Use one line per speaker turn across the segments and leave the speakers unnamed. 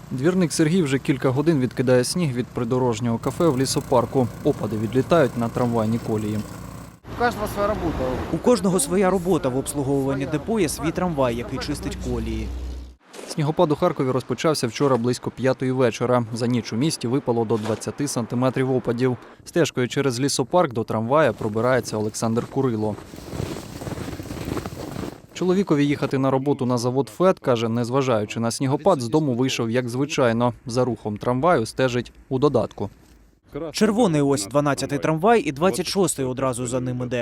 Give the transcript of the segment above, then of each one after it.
Двірник Сергій вже кілька годин відкидає сніг від придорожнього кафе в лісопарку. Опади відлітають на трамвайні колії.
У кожного своя робота в обслуговуванні депо є свій трамвай, який чистить колії.
Снігопад у Харкові розпочався вчора близько 5-ї вечора. За ніч у місті випало до 20 сантиметрів опадів. Стежкою через лісопарк до трамвая пробирається Олександр Курило. Чоловікові їхати на роботу на завод ФЕД, каже, незважаючи на снігопад, з дому вийшов як звичайно. За рухом трамваю стежить у додатку.
Червоний ось 12-й трамвай і 26-й одразу за ним іде.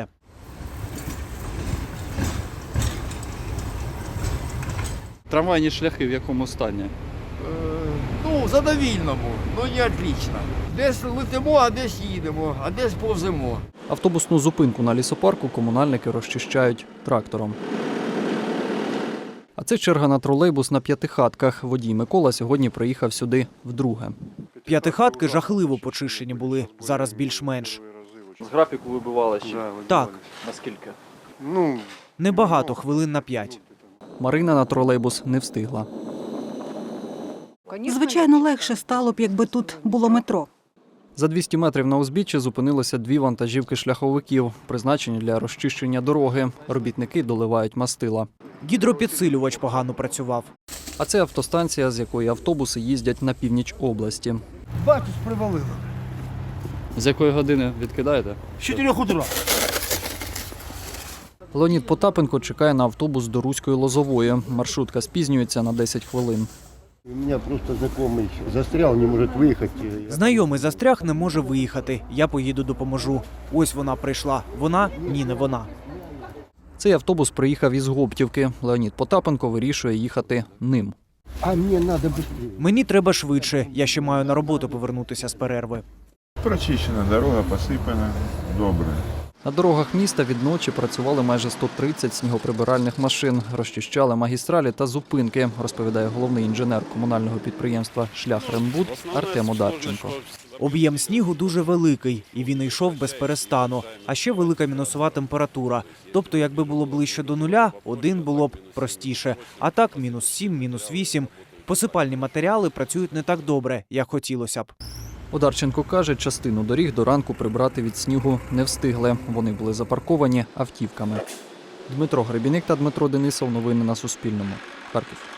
Трамвайні шляхи в якому стані?
Задовільному, не отлично. Десь летимо, а десь їдемо, а десь повземо.
Автобусну зупинку на лісопарку комунальники розчищають трактором. А це черга на тролейбус на П'ятихатках. Водій Микола сьогодні приїхав сюди вдруге.
П'ятихатки жахливо почищені були, зараз більш-менш.
З графіку вибивали ще?
Так.
Наскільки?
Небагато, хвилин на 5.
Марина на тролейбус не встигла.
Звичайно, легше стало б, якби тут було метро.
За 200 метрів на узбіччі зупинилися 2 вантажівки шляховиків, призначені для розчищення дороги. Робітники доливають мастила.
Гідропідсилювач погано працював.
А це автостанція, з якої автобуси їздять на північ області.
Батюсь привалило.
З якої години відкидаєте?
З 4 утра.
Леонід Потапенко чекає на автобус до Руської Лозової. Маршрутка спізнюється на 10 хвилин.
У меня просто знакомый застрял, не может выехать.
Знайомий застряг, не може виїхати. Я поїду допоможу. Ось вона прийшла. Вона? Ні, не вона.
Цей автобус приїхав із Гоптівки. Леонід Потапенко вирішує їхати ним.
А мне надо быстрее.
Мені треба швидше. Я ще маю на роботу повернутися з перерви.
Прочищена дорога, посипана, добре.
На дорогах міста від ночі працювали майже 130 снігоприбиральних машин. Розчищали магістралі та зупинки, розповідає головний інженер комунального підприємства «Шляхрембуд» Артем Одарченко.
Об'єм снігу дуже великий, і він йшов без перестану. А ще велика мінусова температура. Тобто, якби було ближче до нуля, один було б простіше. А так, мінус 7, мінус 8. Посипальні матеріали працюють не так добре, як хотілося б.
Одарченко каже, частину доріг до ранку прибрати від снігу не встигли. Вони були запарковані автівками. Дмитро Гребіник та Дмитро Денисов. Новини на Суспільному. Харків.